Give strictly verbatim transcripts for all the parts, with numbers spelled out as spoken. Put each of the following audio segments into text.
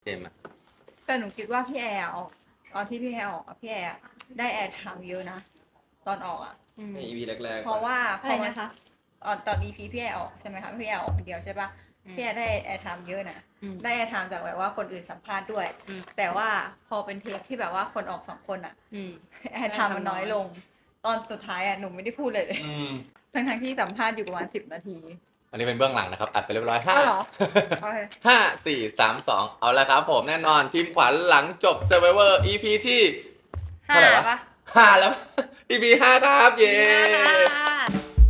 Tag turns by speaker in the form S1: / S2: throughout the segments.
S1: เจมส์อะ
S2: แต่หนูคิดว่าพี่แอร์ออกตอนที่พี่แอร์ออกอะพี่แอร์ได้แอร์ไทม์เยอะนะตอนออกอ่ะ
S3: ใน อี พี แรกๆ
S2: เพราะว่าพ
S4: อะไร
S2: อมัน
S4: นะคะ
S2: ตอนตอน อี พี พี่แอร์ออกใช่ไหมคะพี่แอร์ออกคนเดียวใช่ปะพี่แอร์ได้แอร์ไทม์เยอะนะ
S4: อืม
S2: ได้แอร์ไทม์จากแบบว่าคนอื่นสัมภาษณ์ด้วย
S4: อืม
S2: แต่ว่าพอเป็นเทปที่แบบว่าคนออกสองคนอ่ะ
S4: อืม
S2: แอร์ไทม์มันน้อยลง ตอนสุดท้ายอ่ะหนูไม่ได้พูดเลยเลย
S1: อืม
S2: ทั้งทั้งๆที่สัมภาษณ์อยู่ประมาณสิบนาที
S1: อันนี้เป็นเบื้องหลังนะครับ อัดไปเรียบร้อยห้า
S2: อ้าวเหรอ โอเค
S1: ห้าสี่สามสองเอาละครับผมแน่นอนทีมขวัญหลังจบ Survivor อี พี ที่ เท่าไหร่วะ
S4: ปะ
S1: ห้าแล้ว อี พี ห้าครับ เย้
S4: ห้า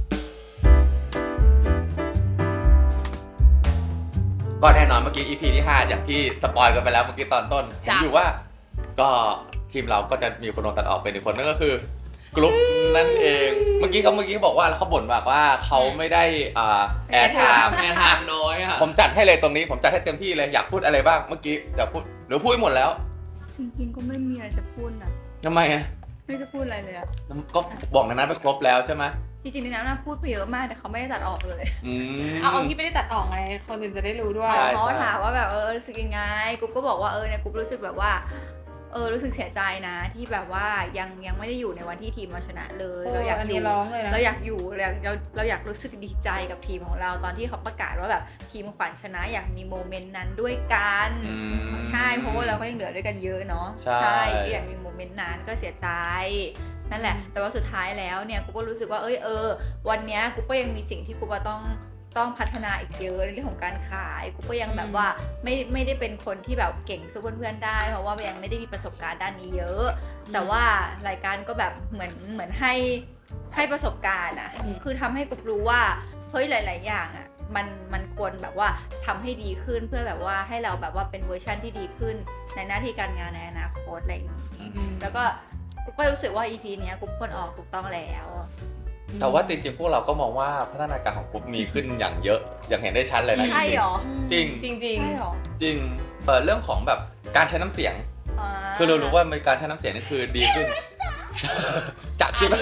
S1: ก็แน่นอนเมื่อกี้ อี พี ที่ ห้า อย่างที่สปอยกันไปแล้วเมื่อกี้ตอนต้นเห็นอยู่ว่า ก็ทีมเราก็จะมีคนโดนตัดออกเป็นอีกคนนั่นก็คือกรุ๊ปนั่นเอง เมื่อกี้เขาเมื่อกี้บอกว่าเขาบ่นบอกว่าเขาไม่ได้อ่าแอร์ไทม์
S3: แอร์ไทม์น้อยอ่ะ
S1: ผมจัดให้เลยตรงนี้ผมจัดให้เต็มที่เลยอยากพูดอะไรบ้างเมื่อกี้จะพูดหรือพูดหมดแล้ว
S2: จริงๆก็ไม่มีอะไรจะพูดนะ
S1: ทำไมอ่ะ
S2: ไม่จะพูดอะไรเลยอะ
S1: ก็บอกในนั้นไปครบแล้วใช่ไหม
S2: จริงๆในนั้นน่ะพูดไปเยอะมากแต่เขาไม่ได้ตัดออกเลย
S1: อืม
S4: เอาเอาที่ไม่ได้ตัดออกไง คนอื่นจะได้รู้ด้วย
S1: ใช่
S2: เขาถามว่าแบบเออรู้สึกยังไงกูก็บอกว่าเออเนี่ยกูรู้สึกแบบว่าเออรู้สึกเสียใจนะที่แบบว่ายังยังไม่ได้อยู่ในวันที่ทีมเราชนะเลย
S4: เออ
S2: เราอยาก
S4: อัน
S2: อ
S4: นี้
S2: ยู่
S4: ร้องเลยนะ
S2: เราอยากอยู่เราอยากเราเราอยากรู้สึกดีใจกับทีมของเราตอนที่เขาประกาศว่าแบบทีมขวัญชนะอยากมีโมเมนต์นั้นด้วยกัน
S1: อืม
S2: ใช่เพราะว่าเราก็ยังเหลือด้วยกันเยอะเนาะ
S1: ใช่
S2: อยากมีโมเมนต์นั้นก็เสียใจนั่นแหละ แต่ว่าสุดท้ายแล้วเนี่ยกูก็รู้สึกว่าเอ้ยเออวันเนี้ยกูก็ยังมีสิ่งที่กูว่าต้องต้องพัฒนาอีกเยอะในเรื่องของการขายกูก็ยังแบบว่าไม่ไม่ได้เป็นคนที่แบบเก่งสู้เพื่อนๆได้เพราะว่ายังไม่ได้มีประสบการณ์ด้านนี้เยอะ แต่ว่ารายการก็แบบเหมือนเหมือนให้ให้ประสบการณ์อะ
S4: อืม
S2: คือทำให้กูรู้ว่าเฮ้ยหลาย ๆ อย่างอะมันมันควรแบบว่าทำให้ดีขึ้นเพื่อแบบว่าให้เราแบบว่าเป็นเวอร์ชั่นที่ดีขึ้นในหน้าที่การงานในอนาคตอะไรอย่างนี้
S4: อืม
S2: แล้วก็กูก็รู้สึกว่า อี พี เนี้ยกูควรออกถูกต้องแล้ว
S1: แต่ว่าจริงๆพวกเราก็มองว่าพัฒนาการของกรุ๊ปมีขึ้นอย่างเยอะอย่างเห็นได้ชัดเลยนะ
S2: ใช่เหรอ
S1: จริง
S4: จริงจริง
S2: ใช่เหรอ
S1: จริงเออเรื่องของแบบการใช้น้ำเสียง
S2: อ่า
S1: คือเรารู้ว่ามันการใช้น้ำเสียงนี่คือดีขึ้น จากที่แบบ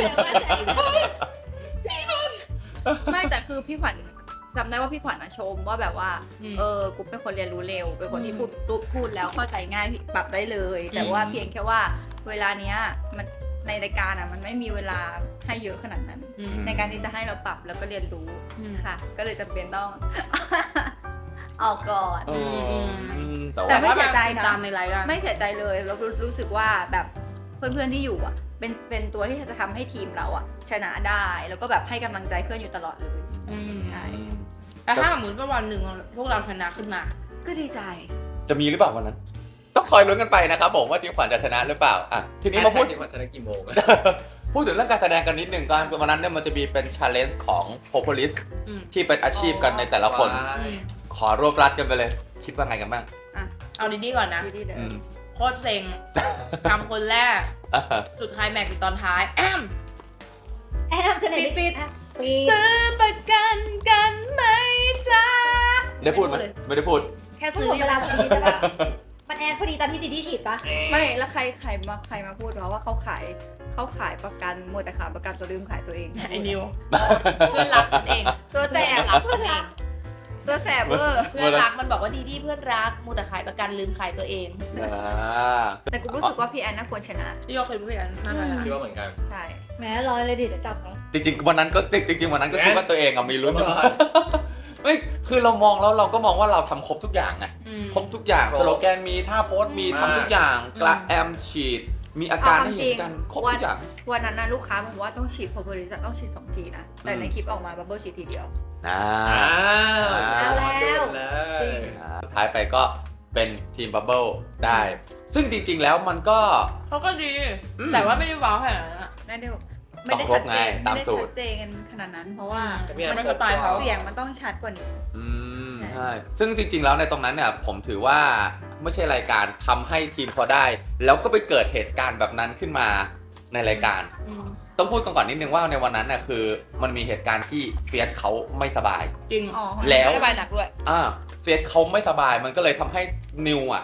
S2: ไม่แต่คือพี่ขวัญจำได้ว่าพี่ขวัญอะชมว่าแบบว่า
S4: อืม
S2: เออกูเป็นคนเรียนรู้เร็วเป็นคนที่
S4: อืม
S2: พูดพูดพูดแล้วเข้าใจง่ายปรับได้เลย แต่ว่าเพียงแค่ว่าเวลาเนี้ยมันในรายการอะมันไม่มีเวลาให้เยอะขนาดนั้น
S4: อืม
S2: ในการที่จะให้เราปรับแล้วก็เรียนรู้
S4: อืม
S2: ค่ะ ก็เลยจำเป็นต้อง ออกก่อน
S1: เอออืมแต่
S2: แต่
S1: ว่า
S2: ไม่เสียใจนะ
S4: ตามในไลฟ์ได้
S2: ไม่เสียใจเลยแล้วรู้รู้สึกว่าแบบเพื่อนๆที่อยู่อ่ะ เป็นเป็นตัวที่จะทำให้ทีมเราอ่ะ ชนะได้แล้วก็แบบให้กำลังใจเพื่อนอยู่ตลอดเลย
S4: อืม
S2: ใช่
S1: อืม
S4: แต่ถ้าสมมติว่าวันหนึ่งพวกเราชนะขึ้นมา
S2: ก็ดีใจ
S1: จะมีหรือเปล่าวันนั้น ต้องคอยลุ้นกันไปนะครับผมว่าทีมขวัญจะชนะหรือเปล่าอ่ะทีนี้มาพูด
S3: ทีมขวัญชนะกี่โมง
S1: พูดถึงเรื่องการแสดงกันนิดหนึ่งก่อนวันนั้นเนี่ยมันจะมีเป็น challenge ของ Propolis
S4: อืม
S1: ที่เป็นอาชีพกันในแต่ละคน
S3: ว้าย
S1: ขอรวบรัดกันไปเลย คิดว่าไงกันบ้าง
S4: เอาดีๆก่อนนะ
S2: ดีๆเลย
S1: อืม
S4: โคตรเซ็งทำคนแรก สุดท้ายแม็กซ์อยู่ตอนท้าย แอม
S2: แอมฉันเห็น
S4: ปิด
S2: ปีด
S4: ซื้อประกันกันไหมจ๊ะ
S1: ได้พูดไหมไม่ได้พูด
S4: แค่
S5: ซื้
S4: ซื้
S5: อ
S4: อ
S5: เวลาพอดีใช่ปะมันแอนพอดีตอนที่ดิดี้ฉีดปะ
S2: ไม่แล้วใครใครมาใครมาพูดวะว่าเขาขายเขาขายประกันหมดแต่ขายประกันตัวลืมขายตัวเอง
S4: ไอ้นิวเพื่อนรักมันเอง
S2: ตัวแสบ
S4: รักมันเอง
S2: ตัวแสบเวอร์
S4: เพื่อนรักมันบอกว่าดีดีเพื่อนรักมูแต่ขายประกันลืมขายตัวเอง
S1: อ่า
S2: แต่กูรู้สึกว่าพี่แอนน่าควรชนะ
S4: ที่ยกเคยพูดกันมากเลย
S3: คิดว่าเหมือนกัน
S2: ใช่
S5: แหมรอยเลยดิเดี๋ยวจับเนาะ
S1: จริงๆวันนั้นก็จริงๆวันนั้นก็คิดว่าตัวเองอะมีลุ้น
S3: ก่อน
S1: เฮ้ยคือเรามองแล้วเราก็มองว่าเราทำครบทุกอย่างไง
S4: อืม
S1: ครบทุกอย่าง
S3: ครบ
S1: สโลแกนมีท่าโพสต์มี
S3: มาก
S1: ทำทุกอย่าง
S4: อืม
S1: กระแอมฉีด มีอาการ
S2: เอา
S1: ให้
S2: ความจริ
S1: เห็น
S2: ง
S1: กันครบ
S2: วั
S1: ทุ
S2: น
S1: กอย่าง
S2: วันนั้นนะลูกค้าบอกว่าต้องฉีดโพรโพลิสต้องฉีดสองทีนะ แต่ในคลิปออกมาบับเบิ้ลฉีดทีเดียว
S1: อ่า
S3: อ้าว
S1: เอาแล้ว
S3: เด่นเลย
S2: จริง
S1: อ่าสุดท้ายไปก็เป็นทีมบับเบิลได้ ซึ่งจริงๆแล้วมันก็
S4: เขาก็ดี
S1: อืม
S4: แต่ว่าไม่ได้ว้าวขนาดนั้นอะ
S2: ไม่ได้ไม่ได้
S1: คร
S2: ชั
S1: บ
S2: ด
S1: ไง
S2: เจน
S1: ตาม
S2: ไม่ได้
S1: สูตร
S2: ชัดเจนขนาดนั้น เพราะว่า
S3: แต่พี่แอน
S4: ไม่
S3: ไม่
S4: สไตล์เขา
S2: เสียงมันต้องชัดกว่านี้
S1: อืมใช่ซึ่งจริงๆแล้วในตรงนั้นเนี่ยผมถือว่าไม่ใช่รายการทำให้ทีมเขาได้ แล้วก็ไปเกิดเหตุการณ์แบบนั้นขึ้นมาในรายการ
S4: อืม
S1: ต้องพูดกันก่อนนิดนึงว่าในวันนั้นน่ะคือมันมีเหตุการณ์ที่เฟียสเขาไม่สบาย
S4: จริง
S2: อ๋อ
S1: แล้ว
S4: ไม่สบายหนักด้วย
S1: อ่าเฟียสเขาไม่สบายมันก็เลยทำให้นิวอ่ะ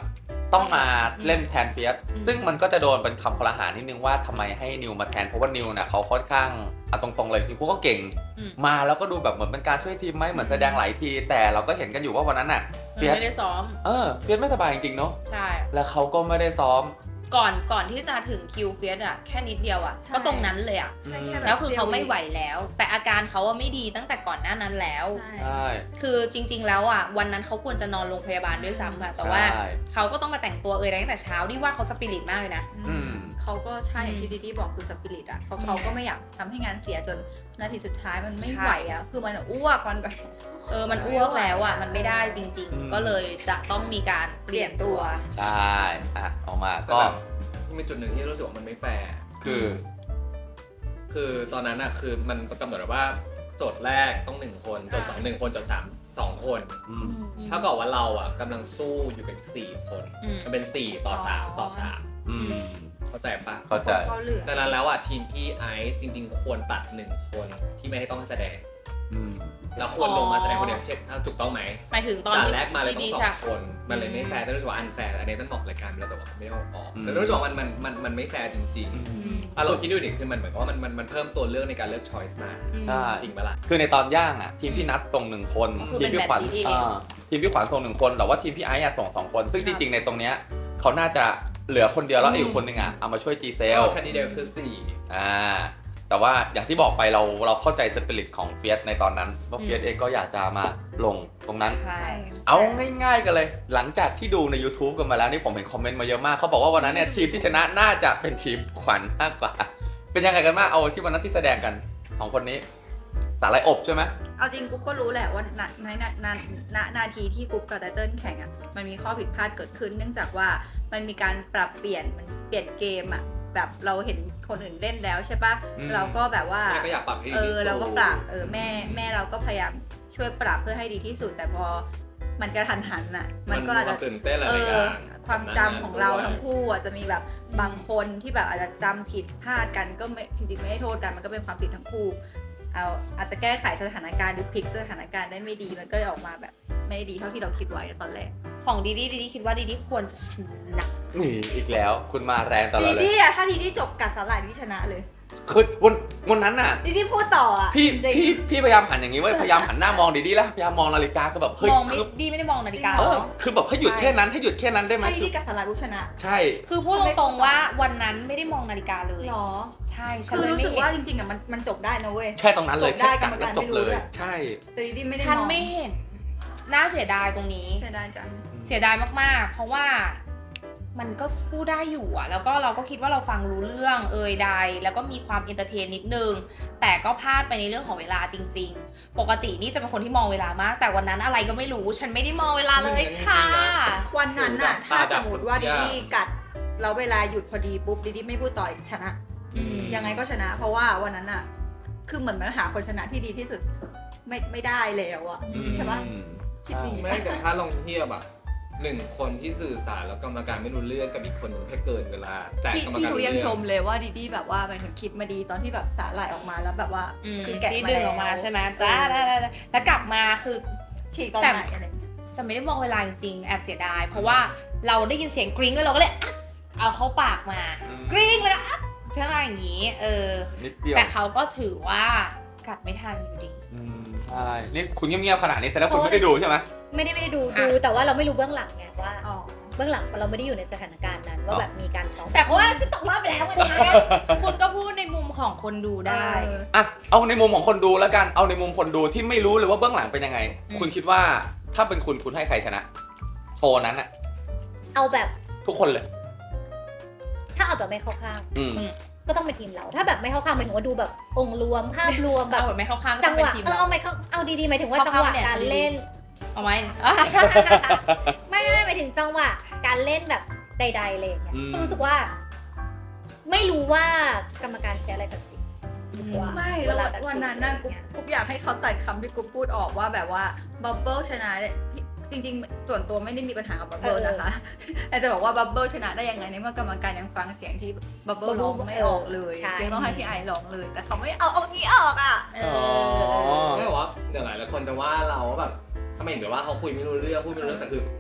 S1: ต้องมาเล่นแทนเฟียสซึ่งมันก็จะโดนเป็นคำคลหานิดนึงว่าทำไมให้นิวมาแทนเพราะว่านิวน่ะเขาค่อนข้างเอาตรงๆเลยนิวก็เก่งมาแล้วก็ดูแบบเหมือนเป็นการช่วยทีมไหมเหมือนแสดงหลายทีแต่เราก็เห็นกันอยู่ว่าวันนั้นน่ะเฟียส
S4: ไม่ได้ซ้อม
S1: เออเฟียสไม่สบายจริงๆเนาะ
S4: ใช่
S1: แล้วเขาก็ไม่ได้ซ้อม
S4: ก่อนก่อนที่จะถึงคิวเฟียสอะแค่นิดเดียวอะก็ตรงนั้นเลยอะ
S2: ใช่แค่บบ
S4: แล้วคือเขาไม่ไหวแล้ว แต่อาการเขาอะไม่ดีตั้งแต่ก่อนหน้านั้นแล้ว
S2: ใช่
S1: ใช่
S4: คือจริง ๆ แล้วอ่ะวันนั้นเขาควรจะนอนโรงพยาบาลด้วยซ้ำค่ะแต่ว่า
S1: ใช่
S4: เขาก็ต้องมาแต่งตัวเอยตั้งแต่เช้านี่ว่าเขาสปิริตมากเลยนะ
S1: อืม
S2: เขาก็ใช่อย่างที่ดิดี้บอกคือสปิริตอ่ะเขาเขาก็ไม่อยากทำให้งานเสียจนนาทีสุดท้ายมันไม่ไหวอ่ะคือมันอ้วกมันแบบ
S4: เออมันอ้วกแล้วอ่ะมันไม่ได้จริง
S1: อืม
S4: ๆ ก็เลยจะต้องมีการเป
S2: เป
S4: ลี่
S2: ลี่
S4: ย
S2: ย
S4: น
S2: น
S4: ตั
S2: ตัว ว
S1: ใช่อ่ะออกมา
S3: แต่
S1: ก็
S3: แบบมีจุดหนึ่งที่รู้สึกว่ามันไม่แฟร์
S1: คือ
S3: คือตอนนั้นอะคือมันกำหนดไว้ว่าโจทย์แรกต้องหนึ่งคนโจทย์สองหนึ่งคนโจทย์สามสองคน
S1: อืม
S3: เท่ากับว่าเราอะกำลังสู้อยู่กับอีกสี่คน
S4: อืม
S3: มันเป็นสี่ต่อสามต่อสาม
S1: อืม
S3: เข้าใจปะ
S1: เข้าใจ
S2: เขาเหลือ
S3: ดังนั้นแล้วอะทีมพี่ไอซ์จริง ๆ ควรตัดหนึ่งคนที่ไม่ให้ต้องแสดง
S1: อืม
S3: แล้วควรลงมาแสดงคนเดียวเช็คถูกต้องไหม
S4: หมายถึงตอน
S3: ด่าน
S4: ที่
S3: แรกมาเลยต้อง
S4: ที่
S3: สอ
S4: จะ
S3: งคน มันเลยไม่แฟร์แต่รู้สึกว่าอันแฟร์อันนี้ต้องบอกรายการไปแล้วแต่ว่าไม่เอาออก
S1: อืม
S3: แต่รู้สึกว่ามันมันมันมันไม่แฟร์จริง
S1: อื
S4: อื
S1: ม
S4: ม
S3: ๆอ่ะเราคิดดูดิคือมันเหมือนกับว่ามันมันมันเพิ่มตัวเลือกในการเลือก choice มา
S4: อืม
S1: ใช่
S3: จริงปะล่ะ
S1: คือในตอนย่างอ่ะทีมพี่นัทส่งหนึ่งคน
S4: ก็คือ
S1: ทีมพี่ขวัญ
S4: เป็นแบบนี้เอง
S1: อ่าทีมพี่ขวัญส่งหนึ่งคนแต่ว่าทีมพี่ไอซ์อะส่งสองคน ซึ่งจริงๆในตรงเนี้ยเขาน่าจะเหลือคนเดียวแล้วอีกคนหนึ่งอ่ะเอามาช่วยจีเซล
S3: แค่นี้เดียวคือสี่
S1: อ่าแต่ว่าอย่างที่บอกไปเราเราเข้าใจสปิริตของเฟียสในตอนนั้นว่า
S4: อืม
S1: เฟียสเองก็อยากจะมาลงตรงนั้น
S4: ใช่
S1: เอาง่ายๆกันเลย หลังจากที่ดูใน YouTube กันมาแล้วนี่ผมเห็นคอมเมนต์มาเยอะมากเขาบอกว่าวันนั้นเนี่ยทีมที่ชนะน่าจะเป็นทีมขวัญมากกว่า เป็นยังไงกันบ้างเอาที่วันนั้นที่แสดงกันสองคนนี้สาหร่ายอบใช่ไหม
S2: เอาจริงกุ๊บก็รู้แหละว่าณในณณณนาทีที่กุ๊บกับไตเติ้ลแข่งอ่ะมันมีข้อผิดพลาดเกิดขึ้น เนื่องจากว่ามันมีการปรับเปลี่ยนมันเปลี่ยนเกมอ่ะแบบเราเห็นคนอื่นเล่นแล้วใช่ปะเราก็แบบว่า
S3: แม่ก็อยากปรับให้
S2: เอ
S3: ดี
S2: อ
S3: ที่สุด
S2: เราก็ปรับเออแม่แม่เราก็พยายามช่วยปรับเพื่อให้ดีที่สุด แต่พอมันกระทันหันอ่ะ มันก็อาจ
S3: ค
S2: จะ
S3: วามตื่นเต้นหลาย
S2: เอ
S3: ๆอ
S2: อย่าง ความจำของเราทั้ง
S3: ด้วย
S2: คู่อ่ะจะมีแบบบางคนที่แบบอาจจะจำผิดพลาดกันก็ไม่จริงๆไม่ได้โทษกันมันก็เป็นความผิดทั้งคู่เอาอาจจะแก้ไขสถานการณ์หรือพลิกสถานการณ์ได้ไม่ดีมันก็เลยออกมาแบบไม่ได้ดีเท่าที่เราคิดไว้ตอนแรก
S4: ของดีดีดีดีคิดว่าดีดีควรจะชนะ
S1: นี่อีกแล้วคุณมาแรงตลอ
S2: ดี
S1: ดเลย
S2: ดี้อ่ะถ้าดีดี้จบกัดสลายดีดี้ชนะเลย
S1: คือวันวันนั้นน่ะ
S2: ดีดี้พูดต่ออ่ะ
S1: พี่
S2: จริง
S1: พี่พี่พยายามหันอย่างนี้เว้ยพยายามหันหน้ามองดีๆแล้วพยายามมองนาฬิกาก็แบบเฮ้ย
S4: มองไม่
S1: คือ
S4: ดีไม่ได้มองนาฬิกา
S1: เออ
S4: เนาะ
S1: คือแบบให้หยุดแค่นั้นให้หยุดแค่นั้นได้ไหม
S2: ถ้าดี
S1: คือ
S2: ดี้กัดสลายปุ๊บชนะ
S1: ใช่
S4: คือพูดตรงๆว่าวันนั้นไม่ได้มองนาฬิกาเลย
S2: หรอ
S4: ใช่ฉัน
S2: คือ
S4: เลย
S2: รู้
S4: ไม่
S2: สึก
S4: เห็
S2: ว่าน จริงๆอ่ะมันมันจบได้นะเว้ย
S1: แค่ตรงนั้นเลย
S2: จบได้
S1: แค่กัด
S2: กรรม
S1: แล้ว
S2: การ
S1: จ
S2: ไม่
S1: บ
S2: รู้
S1: เลย
S2: ด้วย
S1: ใช่
S2: แต่ดีดี้ไม่ได้
S4: ฉัน
S2: มอง
S4: ไม่เห็นน่าเสียดายตรงนี้
S2: เสียดายจัง
S4: เสียดายมากๆ เพราะว่ามันก็พูดได้อยู่อะแล้วก็เราก็คิดว่าเราฟังรู้เรื่องเอ่ยใดแล้วก็มีความเอนเตอร์เทนนิดนึง แต่ก็พลาดไปในเรื่องของเวลาจริง ๆ ปกตินี่จะเป็นคนที่มองเวลามาก แต่วันนั้นอะไรก็ไม่รู้ ฉันไม่ได้มองเวลาเลยค่ะ
S2: วันนั้นน่ะ
S3: ตา
S2: ถ้า
S3: ดั
S2: ส
S3: บ
S2: มมติว่า
S3: หมดทุ
S2: ดี
S3: กอย่าง
S2: ดี้กัดแล้วเวลาหยุดพอดีปุ๊บดีดี้ไม่พูดต่ออีกชนะ
S3: อืม
S2: ยังไงก็ชนะ เพราะว่าวันนั้นอ่ะ คือเหมือนมันหาคนชนะที่ดีที่สุด ไม่ไม่ได้แล้วอ่ะ
S1: อืม
S2: ใช่ปะ คิด
S1: ใช่
S2: ดี
S3: ไม่แต่ถ้าลองเทียบอะหนึ่งคนที่สื่อสารแล้วกรรมการไม่รู้เรื่องกับอีกคนหนึงแค่เกินเวลา แต่
S2: พี่
S3: กรรม
S2: พี่
S3: การ
S2: ทู
S3: รู้
S2: ยัง
S3: เรื่
S2: ช
S3: อง
S2: มเลยว่าดีดี้แบบว่าหมายถึงคิดมาดีตอนที่แบบสาหร่ายออกมาแล้วแบบว่า
S4: อืม
S2: คือแกะ
S4: ที่
S2: มา
S4: ดึง
S2: แล้ว
S4: ออกมาใช่ไหมจ้าได้ได้ได้แล้วกลับมาคือ
S2: ขี่ตอนไหนอะไรอย่างเงี้ย
S4: แต่ไม่ได้มองเวลาจริงๆแอบเสียดาย เพราะว่าเราได้ยินเสียงกริ๊งแล้วเราก็เลยอัสเอาเข้าปากมา
S1: อืม
S4: กริ๊งเลยอัสเท่าอย่างนี้ เออ
S1: นิดเดียว
S4: แต่เขาก็ถือว่ากัดไม่ทันอยู่ดี
S1: อืมใช่นี่คุณเงียบๆขนาดนี้แสดงว่าคุณไม่ได้ดูใช่ไหม
S5: ไม่ได้ไม่ได้ดู
S4: อ่ะ
S5: ดูแต่ว่าเราไม่รู้เบื้องหลังไงว่า
S2: อ๋อ
S5: เบื้องหลังเราไม่ได้อยู่ในสถานการณ์นั้น
S1: อ๋
S5: ว่า
S1: อ
S5: แบบมีการซ้อม
S4: แต่เขาว่า
S5: ฉันตกรอบไปแล้วไง
S4: คุณก็พูดในมุมของคนดูได้
S2: เออ
S1: อ่ะเอาในมุมของคนดูแล้วกันเอาในมุมคนดูที่ไม่รู้เลยว่าเบื้องหลังเป็นยังไง
S4: อืม
S1: คุณคิดว่าถ้าเป็นคุณคุณให้ใครชนะ โชว์นั้นอะ
S5: เอาแบบ
S1: ทุกคนเลย
S5: ถ้าเอาแบบไม่เข้าข้าง
S1: อืม
S5: ก็ต้องเป็นทีมเรา ถ้าแบบไม่เข้าข้างหมายถึงว่าดูแบบองค์รวมภาพรวมแบบ
S4: เอาแบบไม่เข้าข้างก็
S5: จั
S4: ต้
S5: ง
S4: อง
S5: ห
S4: เป็น
S5: วะ
S4: ทีม
S5: เออ
S4: เรา
S5: เอาไม่เข้าเอาดีๆหมายถึงว่า
S4: เข้า
S5: จังหวะ
S4: ข้างเนี่ย
S5: การเล่น
S4: เอาไหม
S5: ไม่ไม่หมายถึงจังหวะการเล่นแบบใดๆอะไรอย่างเงี้ย
S1: อืม
S5: ก็รู้สึกว่า ไม่รู้ว่ากรรมการใช้อะไรตัดสินหรือว่า
S2: ไม่
S5: เว
S2: แล้ว
S5: ลาตัดสิ
S2: วันนั้นน่ะกุ๊บกุ๊บอยากให้เขาตัดคำที่กุ๊บพูดออกว่าแบบว่าบับเบิลชนะเนี่ยจริงๆ ส่วนตัวไม่ได้มีปัญหากับบับเบิลนะคะแต่จะบอกว่าบับเบิลชนะได้ยังไงในเมื่อกรรมการยังฟังเสียงที่บับเบิลร้องไม่ออกเลยยังต้องให้พี่ไอร้องเลย แต่เขาไม่เอาเอางี้ออกอ่ะ
S4: เอ
S1: อ๋อ
S4: อ
S3: ไม่บอกว่าเดี๋ยวหลายๆคนจะว่าเราว่าแบบทำไมถึงแบบว่าเขาคุยไม่รู้เรื่องพูดไม่รู้เรื่องแต่คือ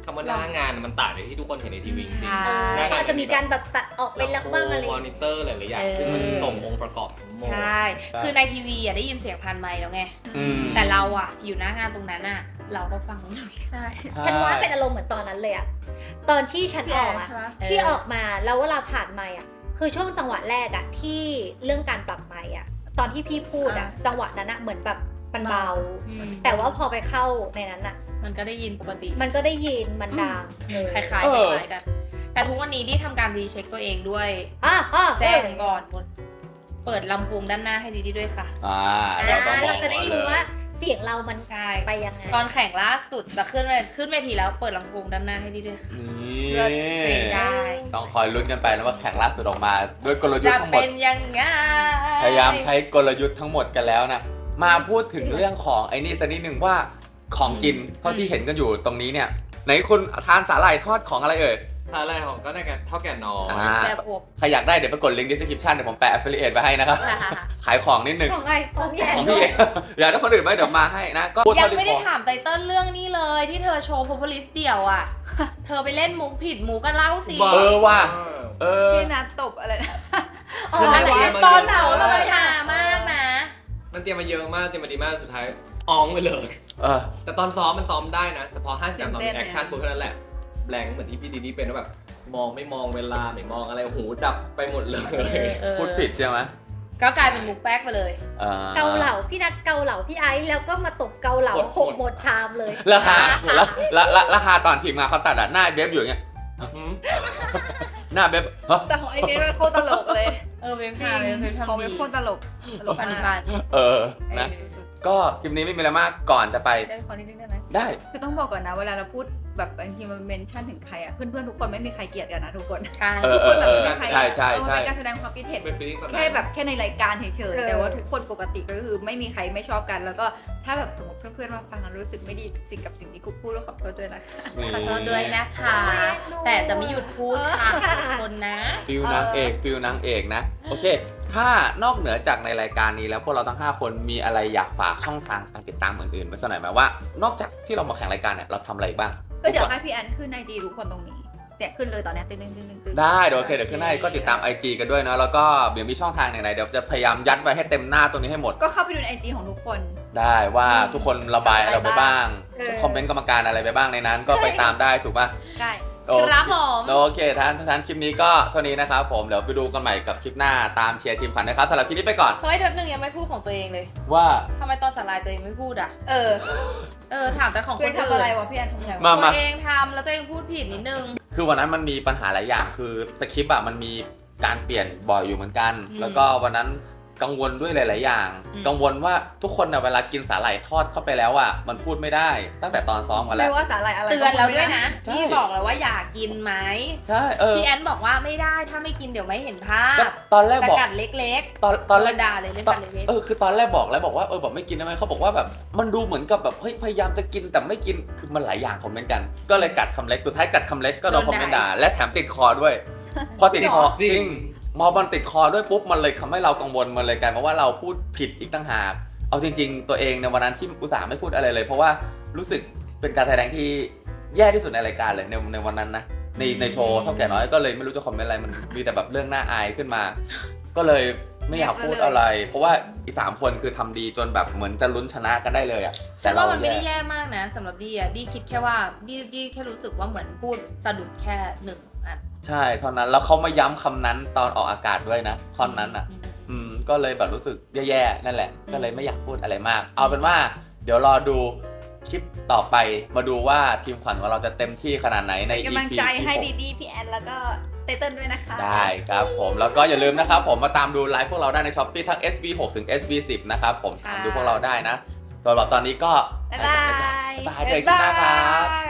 S3: คำว่าหน้างานมันต่างจากที่ทุกคนเห็นในทีวีจริง
S4: ใช่
S5: เออเขาอาจจะมีการแบบตัดออกไปแล้วบ้างอะไร
S3: มอนิเตอร์หลายๆอย่าง
S4: เออ
S3: ซึ่งมันส่งองค์ประกอบทั้งหมด
S4: ใช่ คือในทีวีอ่ะได้ยินเสียงผ่านไมค์แล้วไง
S1: อืม
S4: แต่เราอ่ะอยู่หน้างานตรงนั้นอ่ะ เราก็ฟังไม่รู้
S2: ใช่
S5: ฉันว่าเป็นอารมณ์เหมือนตอนนั้นเลยอะตอนที่ฉัน
S2: พี่
S5: อ
S2: แอ
S5: อก
S2: น
S5: อะ
S2: ใช่ปะ
S5: ที่ออกมาแล้วเวลาผ่านไมค์อะคือช่วงจังหวะแรกอะที่เรื่องการปรับไมค์อะตอนที่พี่พูดอะจังหวะนั้นอะเหมือนแบบมันเบา
S4: อืม
S5: แต่ว่าพอไปเข้าในนั้นอะ
S4: มันก็ได้ยินปกติ
S5: มันก็ได้ยินมันดัง
S4: คล้ายๆคล้าย
S1: เออ
S4: ๆกัน แต่ทุกวันนี้ที่ทำการรีเช็คตัวเองด้วย
S5: อ่ะอ่ะ
S4: แจ้งก่อนหมดเปิดลำโพงด้านหน้าให้ดีๆด้วยค่ะ
S1: อ่า
S5: อ่า
S1: เราต้องบอ
S5: เรา
S1: ก
S5: จะได้
S1: ก่อนเล
S5: รู้
S1: ย
S5: ว่าเสียงเรามัน
S4: ใช่
S5: ไปยังไง
S4: ตอนแข่งล่าสุดจะขึ้นเวขึ้นเวทีแล้วเปิดลำโพงด้านหน้าให้ดีด้วยค่ะ
S1: นี่
S4: ไม่ได้
S1: ต้องคอยลุ้นกันไปนะว่าแข่งล่าสุดออกมา ด้วยกลยุท
S4: จะ
S1: ธ์ทั้งหมด
S4: เป็นยังไง
S1: พยายามใช้กลยุทธ์ทั้งหมดกันแล้วนะ มาพูดถึงเรื่องของไอ้นี่สักนิดหนึ่งว่าของกินเท่าที่เห็นกันอยู่ตรงนี้เนี่ยไหนคุณทานสาหร่ายทอดของอะไรเอ่ย
S3: ถ้าอะไรของก็ได้กันเท่าแก่น้อย
S1: อ่า
S4: แบบอบ
S1: ใครอยากได้เดี๋ยวไปกดลิงก์ description เดี๋ยวผมแปะ affiliate ไว้ให้นะครับ ขายของนิดหนึง
S5: ของไงของพี่แอน
S1: ของพี่เอง อยากได้คนอื่นไหมเดี๋ยวมาให้นะ ก็พูด
S4: ยัง
S1: เท่าที่
S4: ไม่ได้
S1: พอ
S4: ถามไตเติ้ลเรื่องนี้เลยที่เธอโชว์โพพลิสเดี่ยวอ่ะ เธอไปเล่นมุกผิดมุกกันเล่าสิ
S1: เออว่ะ เออ
S2: พี่นัดตบอะไรนะ
S5: อ๋อ
S3: คือ
S5: อะไร
S3: ไม่
S5: อะ
S3: ได้
S4: ตอนเสาร์เราไปหามากนะ
S3: มันเตรียมมาเยอะมากเตรียมมาดีมากสุดท้ายอองไปเลย
S1: เออ
S3: แต่ตอนซ้อมมันซ้อมได้นะแต่พอห้าสิบตอนมี
S2: เต้นๆ
S3: แอคชั่นปุ๊บเท่านั้นแหละแบงค์เหมือนที่พี่ดีนี่เป็นว่าแบบมองไม่มองเวลาไม่มองอะไรหูดับไปหมดเลย
S4: เออ
S1: พูดผิดใช่ไหม
S4: ก็กลายเป็นมุกแป๊กไปเลย
S1: อ่
S5: เกาเหลาพี่นัดเกาเหลาพี่ไอซ์แล้วก็มาตบเกาเหลาหกหมดชามเลย
S1: แล้วฮาแล้วแล้วแล้วแล้วฮาตอนทีมงานเขาตัดอะหน้าเบฟอยู่อย่างเงี้ย หน้าเบฟฮะ
S2: แต่ของไอเบสมันโคตรตลกเลย
S4: เออเว็บ
S2: จริ
S4: ทาง เว็บ
S2: ของ
S4: ทำ
S2: เบ
S4: ดี
S2: สโคตรตลกตลก
S4: ปัน
S2: มา
S4: ปั
S2: ก
S4: น
S1: เออนะก็คลิปนี้ไม่มีอะไรมากก่อนจะไป
S2: ได้ขอนิดนึงได้ไหม
S1: ได้
S2: คือต้องบอกก่อนนะเวลาเราพูดแบบบางทีมันเมนชั่นถึงใครอ่ะเพื่อนๆทุกคนไม่มีใครเกลียดกันนะทุกคน
S4: ใช่
S1: เออ
S2: ทุก
S1: เอ
S2: คน
S1: อ
S2: แบบ
S1: เออ
S2: ไม่มีใคร
S1: ใช่ใช่
S2: เออ
S1: ใช่
S2: เป็นการแสดงความคิดเห็น
S3: เป็นฟีลิ่งตอนนั้น
S2: แค่แบบแค่ในรายการเฉย
S5: เอ
S2: ๆ
S5: อ
S2: แต่ว่าทุกคนปกติก็คือไม่มีใครไม่ชอบกัน แล้วก็ถ้าแบบสมมติเพื่อนๆมาฟังแล้วรู้สึกไม่ดีสิ่งกับสิ่งที่กูพูดก็ขอโทษด้วยนะคะ
S4: ขอโทษด้วยนะคะ แต่จะไม่หยุดพูดค่ะทุกคนนะ
S1: ฟิลนางเอกฟิลนางเอกนะ โอเค ถ้านอกเหนือจากในรายการนี้แล้วพวกเราทั้งห้าคนมีอะไรอยากฝากช่องทางการติดตามอื่นๆไว้สักหน่อยไหมว่า นอกจากที่เรามาแข่งรายการเนี่ยเราทำอะไรบ้าง
S2: ก็เดี๋ยวให้พี่แอนขึ้นไอจีทุกคนตรงนี้เนี่ยขึ้นเลยตอนเนี้ยตึ้งตึ้งตึ้งตึ้งตึ้ง
S1: ได้เดี๋ยวโอเคเดี๋ยวขึ้นให้ก็ติดตาม ไอ จี กันด้วยเนาะแล้วก็เดี๋ยวมีช่องทางไหนๆเดี๋ยวจะพยายามยัดไว้ให้เต็มหน้าตรงนี้ให้หมด
S2: ก็เข้าไปดูในไอจีของทุกคน
S1: ได้ว่าทุกคนระบายอะไรไปบ้าง
S2: เออ
S1: คอมเมนต์กรรมการอะไรไปบ้างในนั้น ก็ไปตามได้ถูกป่ะ
S2: ได้
S1: โอเค
S4: ครับผม
S1: โอเคท่านท่านคลิปนี้ก็เท่านี้นะครับผมเดี๋ยวไปดูกันใหม่กับคลิปหน้าตามเชียร์ทีมขวัญนะครับสำหรับคลิปนี้ไปก่อน
S4: เฮ้ยเทปหนึ่งยังไม่พูดของตัวเองเลย
S1: ว่า
S4: ทำไมตอนสไลด์ตัวเองไม่พูดอ่ะ
S2: เออ
S4: เออถามแต่ของค
S2: เพื่อน
S4: นอื่
S2: ทำอะไร
S4: น
S2: วะพี่แอนทำอะไร
S1: มา
S2: วะ
S4: ตัวเองทำแล้วตัวเองพูดผิดนิดนึง
S1: คือวันนั้นมันมีปัญหาหลายอย่างคือสคริปต์อะมันมีการเปลี่ยนบ่อยอยู่เหมือนกัน
S4: อืม
S1: แล้วก็วันนั้นกังวลด้วยหลาย ๆ อย่าง
S4: อืม
S1: กังวลว่าทุกคนอะเวลากินสาหร่ายทอดเข้าไปแล้วอะมันพูดไม่ได้ตั้งแต่ตอนซ้อมกันแล้
S2: ไม่
S1: ว
S2: ว่าสาหร่ายอะไร
S4: เตือนแล้วด้วยนะ
S1: ใช่
S4: พี่บอกแล้วว่าอย่ากินไหม
S1: ใช่เออ
S4: พี่แอนบอกว่าไม่ได้ถ้าไม่กินเดี๋ยวไม่เห็นภา
S1: ก็
S4: พ
S1: ตอนแรก
S4: จะ
S1: บอก
S4: กัดเล็ก
S1: ตอน
S4: ๆ
S1: ตอนแรก
S4: ด่าเลยเรื่อง
S1: ตอน
S4: กัดเล็ก
S1: เออคือตอนแรกบอกแล้วบอกว่าเออแบบไม่กินได้ไหมเขาบอกว่าแบบมันดูเหมือนกับแบบเฮ้ยพยายามจะกินแต่ไม่กินคือมันหลายอย่างคอมเมนต์กัน ก็เลยกัดคำเล็กสุดท้ายกัดคำเล็กก็โดนคอมเมนต์ด่าและแถมติดคอด้วย พอติดคอจริงมอมันติดคอด้วยปุ๊บมันเลยทำให้เรากังวลมันเลยกลายมาว่าเราพูดผิดอีกตั้งหากเอาจริง ๆ ตัวเองในวันนั้นที่อุตส่าห์ไม่พูดอะไรเลย เพราะว่ารู้สึกเป็นการแสดงที่แย่ที่สุดในรายการเลยในในวันนั้นนะในในโชว์เท่าแก่น้อยก็เลยไม่รู้จะคอมเมนต์อะไรมันมีแต่แบบเรื่องน่าอายขึ้นมา ก็เลยไม่อยากพูดอะไร เพราะว่าอีสามคนคือทำดีจนแบบเหมือนจะลุ้นชนะกันได้เลยอ่ะ
S4: ๆฉันว่ามันไม่ได้แย่มากนะสำหรับดีอ่ะดีคิดแค่ว่าดีดีแค่รู้สึกว่าเหมือนพูดสะดุดแค่หนึ่งอัน
S1: ใช่เท่านั้นแล้วเขามาย้ำคำนั้นตอนออกอากาศด้วยนะท่อนนั้นอ่ะ
S4: อืม
S1: อืมก็เลยแบบรู้สึกแย่ๆนั่นแหละ
S4: อืม
S1: ก็เลยไม่อยากพูดอะไรมาก เอาเป็นว่า เดี๋ยวรอดูคลิปต่อไปมาดูว่าทีมขวัญของเราจะเต็มที่ขนาดไหนใน
S2: เป็น
S1: อี
S2: กำลัง
S1: พี
S2: ใจ
S1: ที่
S2: ให้
S1: หก
S2: ดีดีพี่แอนแล้วก็ไตเติ้ลด้วยนะคะ
S1: ได้ครับผมแล้วก็อย่าลืมนะครับผมมาตามดูไลฟ์พวกเราได้ใน Shopee ทั้ง เอส บี หก ถึง เอส บี สิบ นะครับผม
S4: ค่ะ
S1: ตามดูพวกเราได้นะสำหรับตอนนี้ก็
S2: บ๊ายบาย
S1: บ๊ายบายเจอกันคลิปหน้าครับ
S4: บ๊ายบาย